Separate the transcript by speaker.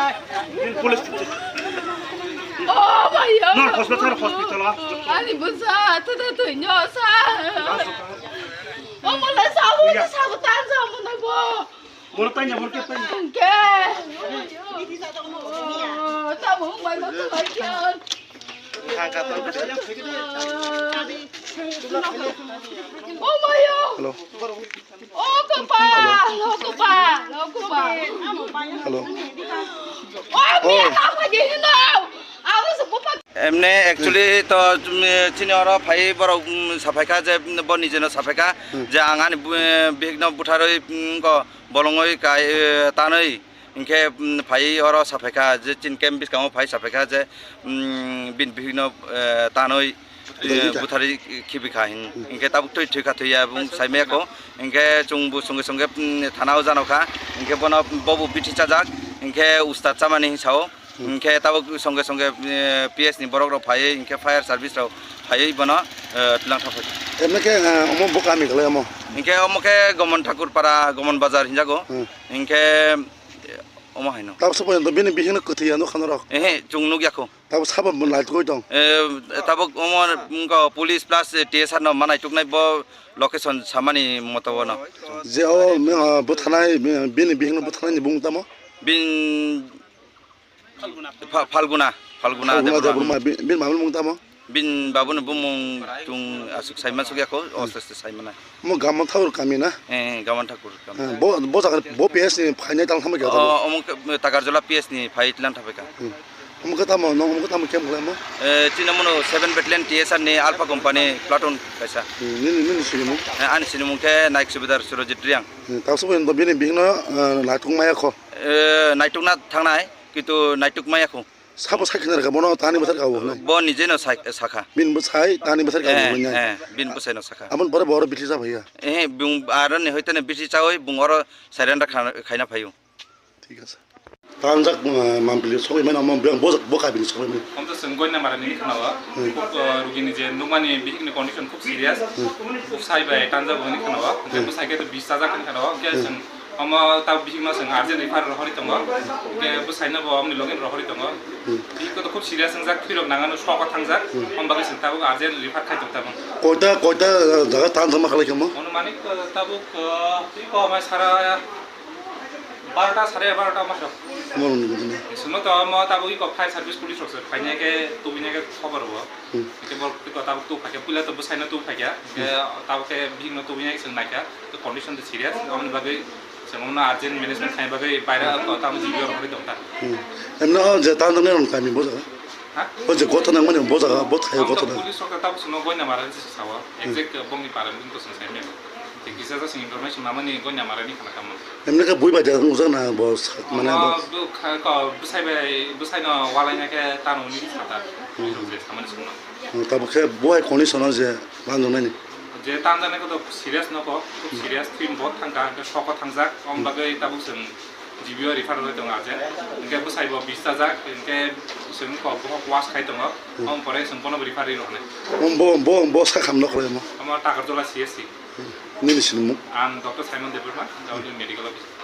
Speaker 1: Police.
Speaker 2: Oh my God.
Speaker 1: No, hospital.
Speaker 2: Ani busa, tu nyosa. Oh mulai sabu tanza mulai bo.
Speaker 1: Mula tanya.
Speaker 2: Ke. Tahu mai lo tu lagi. Oh my God.
Speaker 3: Hello.
Speaker 2: Oh kupa.
Speaker 3: Hello.
Speaker 2: Oh me apa jadi no. Aku sepupu.
Speaker 4: এমনি actually তো senior ফাই বড় সাফাইকা যে বনি যেন সাফাইকা যে আঙানি বিঘ্ন বুঠারই বলঙই কাই তানই ইনকে ফাই হর সাফাইকা যে চিন কেম বিস্কাম ফাই সাফাইকা যে বিঘ্ন তানই বুথারি খিবিখা ইনকে তাবুক তৈ থৈকা থৈয়া এবং সাইমেকো ইনকে চুংবু সঙ্গে সঙ্গে থানাও জানকা ইনকে বন ববু বিঠি চাজাক ইনকে উস্তাদ চামানি হিসাও ইনকে তাবুক সঙ্গে পিএস নি বরক ফাই ইনকে ফায়ার সার্ভিস রাও ফাই বন তুলাং থাফাই
Speaker 3: এমনকে অম বকামি গলে অম
Speaker 4: ইনকে অমকে গমন ঠাকুর পাড়া গমন বাজার হিজাগো ইনকে অম হাইনো
Speaker 3: তাব সপন তো বিনি বিহিন কথিয়া ন খানর
Speaker 4: এহে চুংনু গিয়াখো
Speaker 3: তাব সাব লাইট কই দং
Speaker 4: তাবুক অমর পুলিশ প্লাস টিএসআর ন মানাই টুকনাই ব লোকেশন সামানি মতবন
Speaker 3: যে ও বুথানাই বিনি বিহিন বুথানাই নি বুংতাম
Speaker 4: বিন ফাল্গুনা
Speaker 3: বুমা বিন মামুল বুংতাম
Speaker 4: বিন বাবুন বুমুং তুং আসুক সাইমান সুগিয়াখো অস্তে সাইমানা
Speaker 3: মো গামন থাউর কামি না
Speaker 4: গামন ঠাকুর
Speaker 3: বো জাগা বো পিএস নি ফাইনাই তাল খামে গেল
Speaker 4: অমুক তাকারজলা পিএস নি ফাইট লান থাপেকা
Speaker 3: অমুক তাম ন অমুক তাম কেম গলে মো
Speaker 4: চিনামনো 7 ব্যাটালিয়ন টিএসআর নি আলফা কোম্পানি প্লাটুন কাইসা
Speaker 3: নি সুইমু
Speaker 4: আনি সিনুমুকে নাইক সুবিদার সুরজিত রিয়াং
Speaker 3: তাব সপন তো বিনি বিহিন লাইটুং মায়াখো
Speaker 4: নাইটুকনা থাংনাই কিন্তু নাইটুক মায়াখো
Speaker 3: সাব সাইখিনার গাবন তানি বছর গাবো
Speaker 4: ব নিজেনো সাখা
Speaker 3: বিন বছাই তানি বছর গাবো
Speaker 4: বিন বসাইনো সাখা
Speaker 3: আমন বড় বড় বিটি যা ভাইয়া
Speaker 4: বুং আর নে হইতেনে বিটি চাওই বুংর সাইরেন্ডার খাইনা ফাইও
Speaker 3: ঠিক আছে তানজাক মামপিলি সবাই মানে আমন বকা বিনি সবাই মানে
Speaker 5: हमतो संगोय ना मारनी खानावा रुगिनी जे नुमानी बिहिनि कंडिशन खूब सीरियस खूब साइबाय तांजा बनि खानावा जेबो साइके तो 20 ताजा खानावा के जों हम ता बिहिमा जों अर्जेन्ट रिफार रहरि दङ के बो साइना बो हमनि लगइन रहरि दङ बिखौ तो खूब सीरियस संजाक फिरक नागानो सका थांजाक हम बागै जों ताबो अर्जेन्ट रिफार खाइ दङ ताबो
Speaker 3: কয়টা জায়গা টান জমা খালে কেমন
Speaker 5: অনুমানিক তাবো ক মাই সারা 12টা 12:30 মাস
Speaker 3: আমার অনুমতি
Speaker 5: শুনো তো ম তাবো ই ফায়ার সার্ভিস পুলিশ রছে ফাইনাকে তুবিনাকে খবর হবো কেবল তো তাবো তো ফাকে পুলা তো বসাইনা তো ফাকিয়া তাবকে বিভিন্ন তুবিনাকে সং নাইকা তো কন্ডিশন তো সিরিয়াস আমনি ভাবে সেমনা আর্জেন্ট ম্যানেজমেন্ট খাই ভাবে বাইরে তাবো জিবিও হরি দংতা
Speaker 3: এমন যে টান জমা রন কামি বোঝা
Speaker 5: হ্যাঁ
Speaker 3: ও যে কত না মানে বোঝা বোঝা কত না
Speaker 5: পুলিশ সরকার তাবো শুনো গয়না মারান সাওয়া এক্সাক্ট বংনি পারেন কিন্তু সংসাইমে কিসা যা ইনফরমেশন নামানি গয়না মারানি খানা কাম
Speaker 3: এমন কা বই বাজা উজানা বস মানে
Speaker 5: বুসাইনা ওয়ালাইনাকে তানুনি সাতা যে সামানি শুনো
Speaker 3: তাবকে বয় কন্ডিশন যে টান জমা নি
Speaker 5: যে তানজানাকে তো সিরিয়াস নকো খুব সিরিয়াস থিম বহুত থাঙ্কা সক থাংজাক কম বাগৈ তাবু जों জিবিও রিফার হই দङ আজে ইনকে বুসাইবো 20 টা জাক ইনকে जों কব ওয়াশ খাই দङ কম পরে जों বন রিফারি রহনে
Speaker 3: বো সাখাম নকরে মো
Speaker 5: আমার টাকারজলা সিএসসি
Speaker 3: নিলিছিনমু
Speaker 5: আম ডক্টর সাইমন দেববর্মা ডাউলি মেডিকেল অফিস